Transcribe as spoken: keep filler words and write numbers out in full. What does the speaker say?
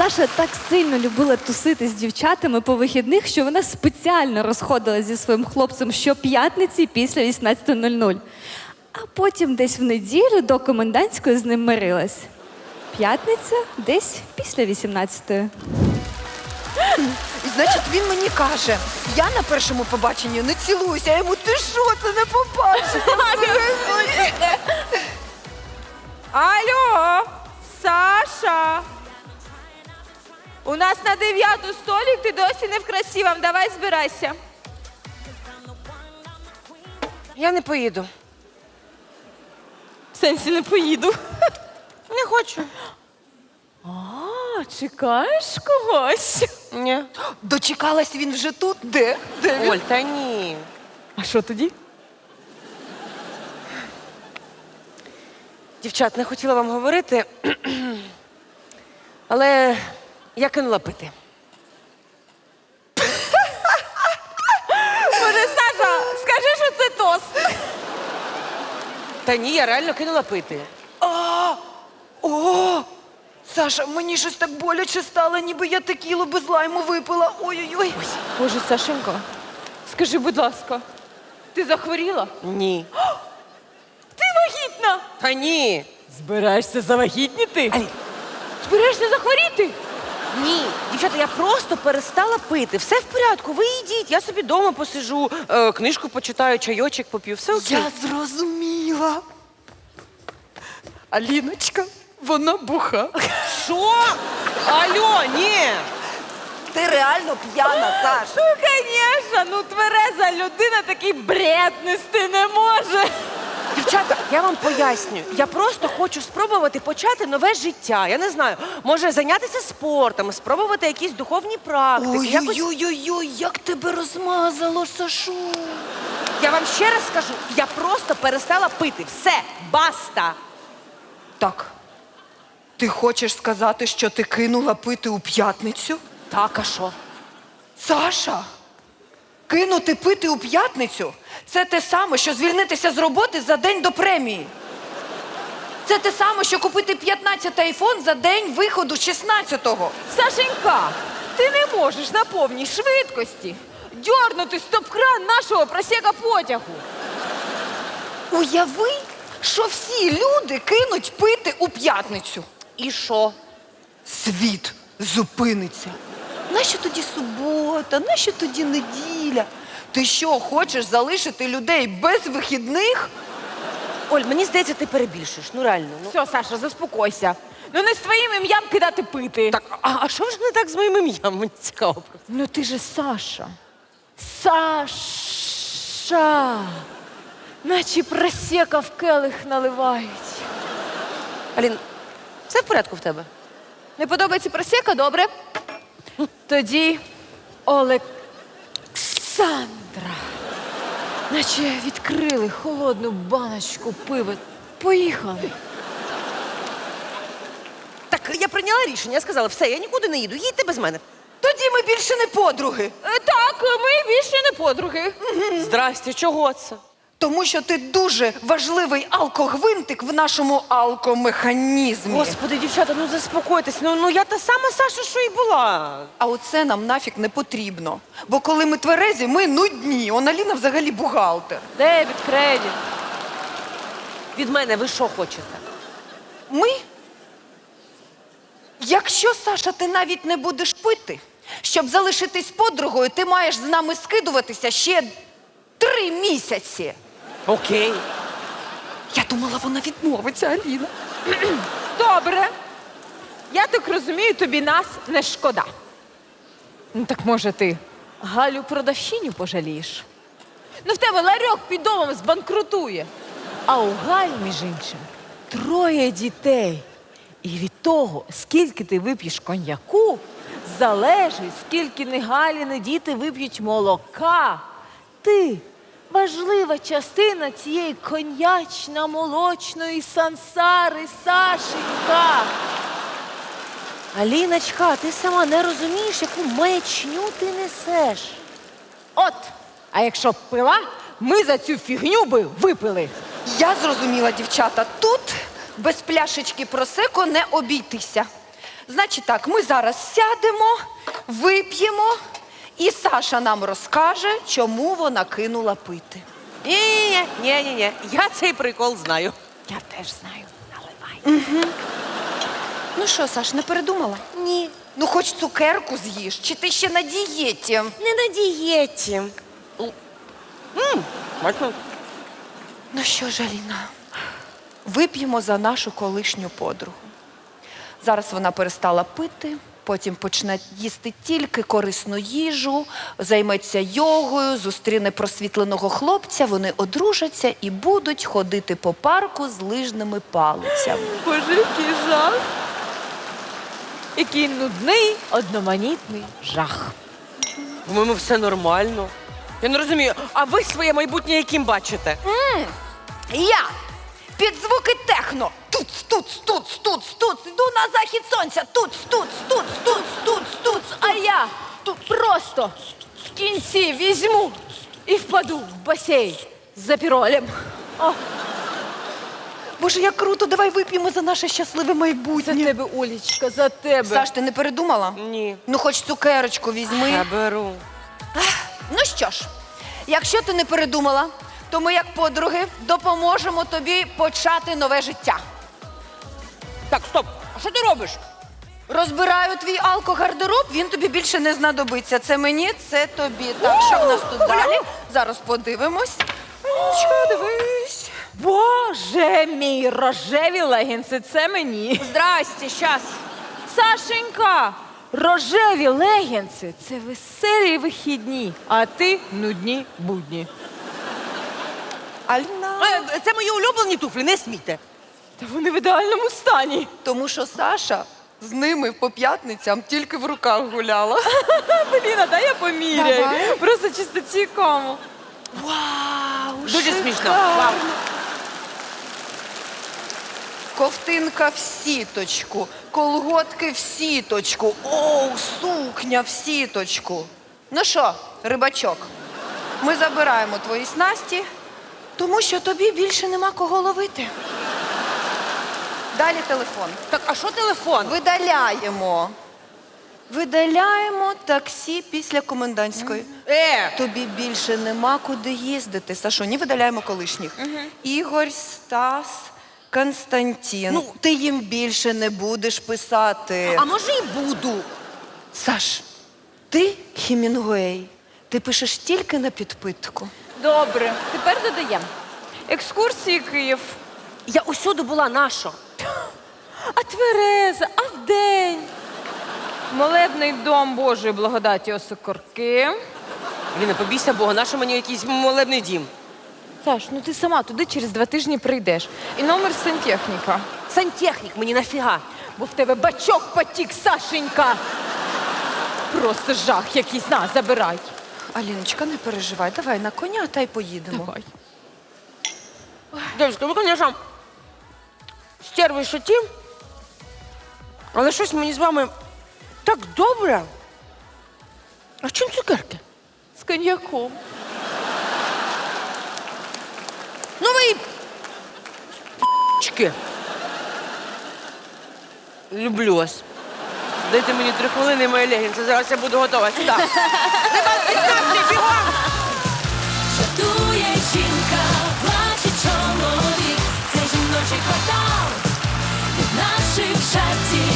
Саша так сильно любила тусити з дівчатами по вихідних, що вона спеціально розходилась зі своїм хлопцем щоп'ятниці після вісімнадцятої нуль нуль. А потім десь в неділю до комендантської з ним мирилась. П'ятниця десь після вісімнадцятої. І значить, він мені каже, я на першому побаченні не цілуюся, а йому ти що, це не побачення? Алло, Саша! У нас на дев'яту столик, ти досі не в красивому. Давай збирайся. Я не поїду. В сенсі не поїду. Не хочу. А, чекаєш когось? Ні. Дочекалась він вже тут? Де? Де він? Оль, та ні. А що тоді? Дівчат, не хотіла вам говорити, але я кинула пити. Може, Саша, скажи, що це тост. Та ні, я реально кинула пити. А, о, Саша, мені щось так боляче стало, ніби я текілу без лайму випила. Ой-ой-ой. Боже, Сашенька, скажи, будь ласка, ти захворіла? Ні. Ти вагітна! Та ні. Збираєшся завагітніти? Збираєшся захворіти? Ні. Дівчата, я просто перестала пити. Все в порядку, ви йдіть. Я собі вдома посижу, е, книжку почитаю, чайочок поп'ю. Все окей. Я зрозуміла. Аліночка, вона буха. Що? Алло, ні. Ти реально п'яна, Саш. Ну, звісно, ну твереза людина такий бред нести не може. Дівчата, я вам поясню. Я просто хочу спробувати почати нове життя. Я не знаю, може зайнятися спортом, спробувати якісь духовні практики. Якось... Ой-ой-ой, як тебе розмазало, Сашу. Я вам ще раз скажу, я просто перестала пити. Все, баста. Так, ти хочеш сказати, що ти кинула пити у п'ятницю? Так, а що? Саша, кинути пити у п'ятницю – це те саме, що звільнитися з роботи за день до премії. Це те саме, що купити п'ятнадцятий айфон за день виходу шістнадцятого. Сашенька, ти не можеш на повній швидкості дьорнути стоп-кран нашого просека потягу. Уяви, що всі люди кинуть пити у п'ятницю. І що? Світ зупиниться. Нащо тоді субота? Нащо тоді неділя? Ти що, хочеш залишити людей без вихідних? Оль, мені здається, ти перебільшуєш. Ну реально. Ну. Все, Саша, заспокойся. Ну не з твоїм ім'ям кидати пити. Так, а, а що ж не так з моїм ім'ям? Мені цікаво просто. Ну ти же Саша. Саша. Наче просека в келих наливають. Алін, все в порядку в тебе? Не подобається просека? Добре. Тоді Олександра. Наче відкрили холодну баночку пива. Поїхали. Так, я прийняла рішення, я сказала, все, я нікуди не їду, їдьте без мене. Тоді ми більше не подруги. Е, Так, ми більше не подруги. Здрасте, чого це? Тому що ти дуже важливий алкогвинтик в нашому алкомеханізмі. Господи, дівчата, ну заспокойтесь, ну, ну я та сама Саша, що і була. А оце нам нафіг не потрібно. Бо коли ми тверезі, ми нудні. Он Аліна взагалі бухгалтер. Дебіт, кредит. Від мене ви що хочете? Ми? Якщо, Саша, ти навіть не будеш пити, щоб залишитись подругою, ти маєш з нами скидуватися ще три місяці. Окей. Я думала, вона відмовиться, Аліна. Добре. Я так розумію, тобі нас не шкода. Ну так може ти Галю продавщиню пожалієш? Ну в тебе ларьок під домом збанкрутує. А у Галь, між іншим, троє дітей. І від того, скільки ти вип'єш коньяку, залежить, скільки не Галі, не діти вип'ють молока. Ти важлива частина цієї коньячно-молочної сансари, Сашенька. Аліночка, ти сама не розумієш, яку маячню ти несеш. От, а якщо б пила, ми за цю фігню би випили. Я зрозуміла, дівчата, тут без пляшечки просеко не обійтися. Значить так, ми зараз сядемо, вип'ємо, і Саша нам розкаже, чому вона кинула пити. Ні-ні-ні, ні-ні-ні, я цей прикол знаю. Я теж знаю. Наливай. Ну що, Саш, не передумала? Ні, Ну хоч цукерку з'їж, чи ти ще на дієті? не на дієті. М, Смачно. Ну що ж, Аліна, вип'ємо за нашу колишню подругу. Зараз вона перестала пити, потім почне їсти тільки корисну їжу, займеться йогою, зустріне просвітленого хлопця, вони одружаться і будуть ходити по парку з лижними палицями. Боже, який жах. Який нудний, одноманітний жах. По-моєму, все нормально. Я не розумію, а ви своє майбутнє яким бачите? Я під звуки техно. Тут, тут, тут, тут, тут, йду на захід сонця. Тут, тут, тут, тут, тут, тут. А я тут просто в кінці візьму і впаду в басейн за піролем. О, Боже, як круто, давай вип'ємо за наше щасливе за майбутнє. тебе, Олічка, за тебе. Саш, ти не передумала? Ні. Ну, хоч цукерочку візьми. Я беру. Ну що ж, якщо ти не передумала, то ми, як подруги, допоможемо тобі почати нове життя. Так, стоп. А що ти робиш? Розбираю твій алкогардероб, він тобі більше не знадобиться. Це мені, це тобі. Так, що в нас тут далі? Зараз подивимось. Що, дивись. Боже мій, рожеві легінси, це мені. Здрасте, щас. Сашенька, рожеві легінси – це веселі вихідні, а ти нудні будні. Альна. Е, Це мої улюблені туфлі, не смійте. Та вони в ідеальному стані. Тому що Саша з ними по п'ятницям тільки в руках гуляла. Поліна, дай я поміряю. Давай. Просто чисто цікаво. Вау, Дуже смішно. шикарно. Вау. Ковтинка в сіточку, колготки в сіточку, оу, сукня в сіточку. Ну що, рибачок, ми забираємо твої снасті, тому що тобі більше нема кого ловити. Далі телефон. Так, а що телефон? Видаляємо. Видаляємо таксі після комендантської. Е, Тобі більше нема куди їздити. Сашоні, видаляємо колишніх. Ігор, Стас, Константин. Ну, ти їм більше не будеш писати. а може і буду. Саш, ти Хемінгуей. Ти пишеш тільки на підпитку. Добре, тепер додаємо. Екскурсії Київ. Я усюди була наша. А Твереза, а вдень. Молебний дом Божої благодаті Осокорки. Ліна, побійся Бога, нащо мені якийсь молебний дім? Саш, ну ти сама туди через два тижні прийдеш. І номер сантехніка. Сантехнік мені нафіга. Бо в тебе бачок потік, Сашенька. Просто жах якийсь. На, забирай. Аліночка, не переживай, давай на коня та й поїдемо. Давай. Дівчатка, ви, звісно, стерви шоті, але щось мені з вами так добре. А чим цукерки? З коньяком. Ну ви чки. Люблю вас. Дайте мені три хвилини, моя легінця, зараз я буду готова сюди. Ребят, підставте, бігом! Жартує жінка, плаче чоловік, це жіночий квартал від наших жартів.